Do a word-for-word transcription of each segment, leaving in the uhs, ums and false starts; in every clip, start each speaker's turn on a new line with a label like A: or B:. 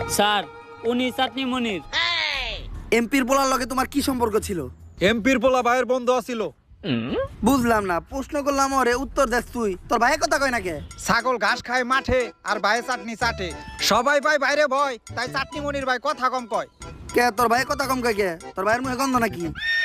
A: Sir উনি চাটনি মনির।
B: এমপির পোলার লগে তোমার কি সম্পর্ক ছিল?
C: এমপির পোলা ভাইয়ের বন্ধু আছিল।
B: বুঝলাম না, প্রশ্ন করলাম ওরে উত্তর দেস তুই। তোর ভাইয়ের কথা কয় না কে?
C: ছাগল ঘাস খায় মাঠে আর ভাইয়ে চাটনি চাটে। সবাই ভাই বাইরে ভয়, তাই চাটনি মনির ভাই কথা কম কয়।
B: কে তোর ভাইয়ের কথা কম কয় কে? তোর ভাইয়ের মুখে গন্ধ নাকি?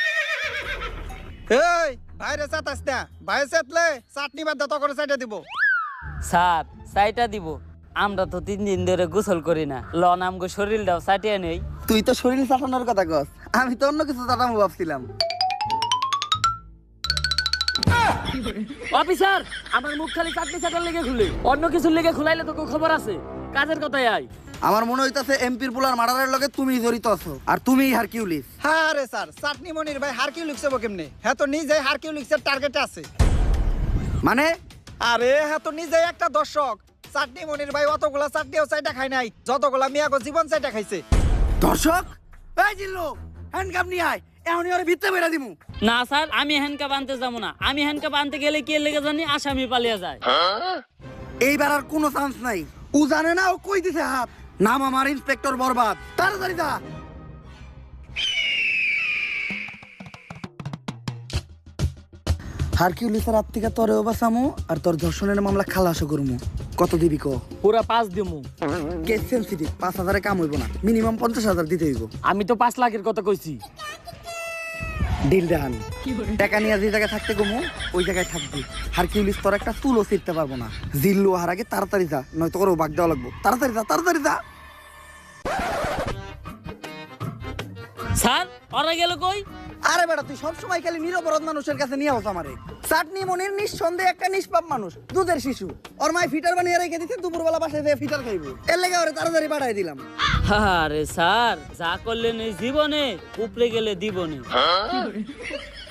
C: এই বাইরে চাটাস না, ভাইয়ে চাটলে চাটনি বাদ দা তখন চাইটা দিব।
A: স্যার চাইটা দিব, আমরা তো তিন দিন ধরে গোসল করি না, লন আমগো শরীরটাও চাটিয়ে নেই।
B: তুই তো শরীর চাটানোর কথা কস, আমি তো অন্য কিছু চাটামো ভাবছিলাম।
A: অফিসার আমার মুখ খালি চাটনি চাটার লেগে খুলে, অন্য কিছুর লেগে খুলাইলে তো খবর আছে। কাজের কথাই আয়।
B: আমার মনে হইতাছে এমপির পোলার মার্ডারের লগে তুমি জড়িত আছো, আর তুমিই হারকিউলিস।
C: হ্যাঁ রে স্যার, চাটনি মনির ভাই হারকিউ লিখছে কেমনে? হ্যাঁ তো নিজে হারকিউ লিখছে টার্গেটে আছে।
B: মানে
C: আরে হ্যাঁ তো নিজে একটা দর্শক। চাটনি মনির ভাই অতগুলা চাটনিও চাইটা খায় নাই যতগুলা মিয়াগো জীবন চাইটা খাইছে।
B: দর্শক, এই জিল্লু হ্যান্ডকাপ নিয়ে আয়, এখনই ওরে ভিতরে বেরা দিমু।
A: না স্যার, আমি হ্যান্ডকাপ আনতে যাবো না। আমি হ্যান্ডকাপ আনতে গেলে কি লেগে জানি আসামি পালিয়ে যায়।
B: এইবার আর কোনো চান্স নাই। ও জানে না ও কই দিছে হাত। নাম আমার ইন্সপেক্টর বরবাদ, তাড়াতাড়ি যা। হারকিউলিসের হাত থেকে তোরেও বাঁচামু, আর তোর ধর্ষণের মামলা খালাসও করমু। কত দিবি ক?
A: পুরা পাঁচ দিমু।
B: কেস সেন্সিটিভ, পাঁচ হাজারে কাম হইব না, মিনিমাম পঞ্চাশ হাজার দিতে হইব।
A: আমি তো পাঁচ লাখের কথা কইছি।
B: ডিল দেখান, টাকা নিয়ে যে জায়গায় থাকতে কমু ওই জায়গায় থাকবি। হারকিউলিস তোর একটা চুলও ছিঁড়তে পারবো না। জিল্লু হার আগে তাড়াতাড়ি যা, নয়তো করে বাগ দেওয়া লাগবো। তাড়াতাড়ি যা, তাড়াতাড়ি যা।
A: স্যার ওরা গেল কই?
B: আরে বেটা, তুই সবসময় খালি নিরপরাধ মানুষের কাছে নিয়ে আস আমারে। চাটনি মনির নিঃসন্দেহে একটা নিষ্পাপ মানুষ, দুধের শিশু। ওর মায় ফিটার বানিয়ে রেখে দিতে, দুপুরবেলা বাসায় যেয়ে ফিটার খাইবো। এর লেগে ওরে তাড়াতাড়ি পাঠাই দিলাম।
A: আরে স্যার, যা করলেন এই জীবনে উপরে গেলে দিবনে।